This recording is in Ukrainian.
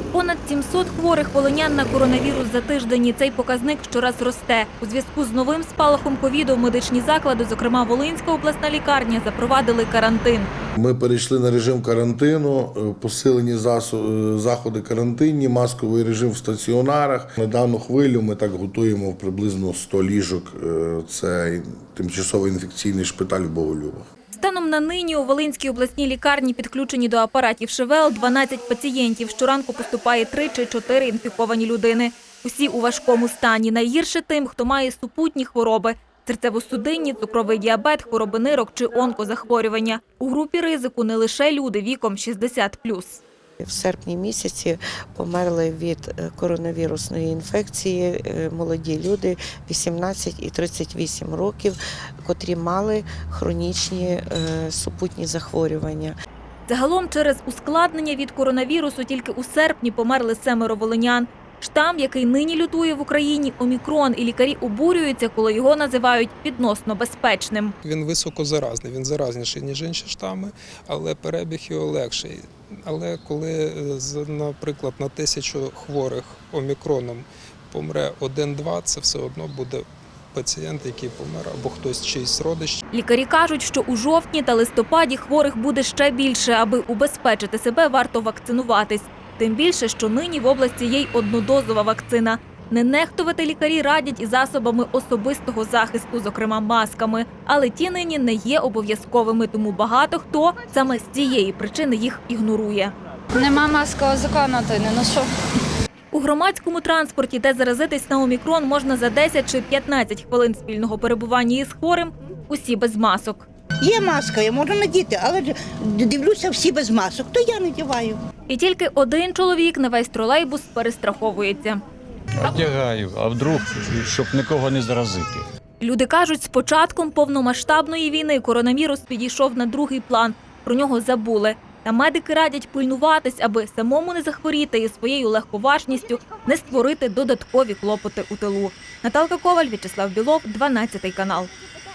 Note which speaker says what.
Speaker 1: Понад 700 хворих волинян на коронавірус за тиждень. І цей показник щораз росте. У зв'язку з новим спалахом ковіду медичні заклади, зокрема Волинська обласна лікарня, запровадили карантин.
Speaker 2: Ми перейшли на режим карантину, посилені заходи карантинні, масковий режим в стаціонарах. На дану хвилю ми так готуємо приблизно 100 ліжок. Це тимчасовий інфекційний шпиталь в Боголюбах.
Speaker 1: Станом на нині у Волинській обласній лікарні підключені до апаратів ШВЛ 12 пацієнтів. Щоранку поступає 3 чи 4 інфіковані людини. Усі у важкому стані. Найгірше тим, хто має супутні хвороби – серцево-судинні, цукровий діабет, хвороби нирок чи онкозахворювання. У групі ризику не лише люди віком 60+.
Speaker 3: В серпні місяці померли від коронавірусної інфекції молоді люди 18 і 38 років, котрі мали хронічні супутні захворювання.
Speaker 1: Загалом через ускладнення від коронавірусу тільки у серпні померли 7 волинян. Штам, який нині лютує в Україні, – омікрон, і лікарі обурюються, коли його називають відносно безпечним.
Speaker 4: Він високозаразний, він заразніший, ніж інші штами, але перебіг його легший. Але коли, наприклад, на 1000 хворих омікроном помре 1-2, це все одно буде пацієнт, який помер, або хтось чийсь родич.
Speaker 1: Лікарі кажуть, що у жовтні та листопаді хворих буде ще більше. Аби убезпечити себе, варто вакцинуватись. Тим більше, що нині в області є й однодозова вакцина. Не нехтувати лікарі радять і засобами особистого захисту, зокрема масками. Але ті нині не є обов'язковими, тому багато хто саме з цієї причини їх ігнорує.
Speaker 5: Нема маскового закону, то й не ношу.
Speaker 1: У громадському транспорті, де заразитись на омікрон можна за 10 чи 15 хвилин спільного перебування із хворим, усі без масок.
Speaker 6: Є маска, я можу надіти, але дивлюся, всі без масок, то я надіваю.
Speaker 1: І тільки один чоловік на весь тролейбус перестраховується.
Speaker 7: Одягаю, а вдруг, щоб нікого не заразити.
Speaker 1: Люди кажуть, з початком повномасштабної війни коронавірус підійшов на другий план. Про нього забули. Та медики радять пильнуватись, аби самому не захворіти і своєю легковажністю не створити додаткові клопоти у тилу. Наталка Коваль, В'ячеслав Білов, 12 канал.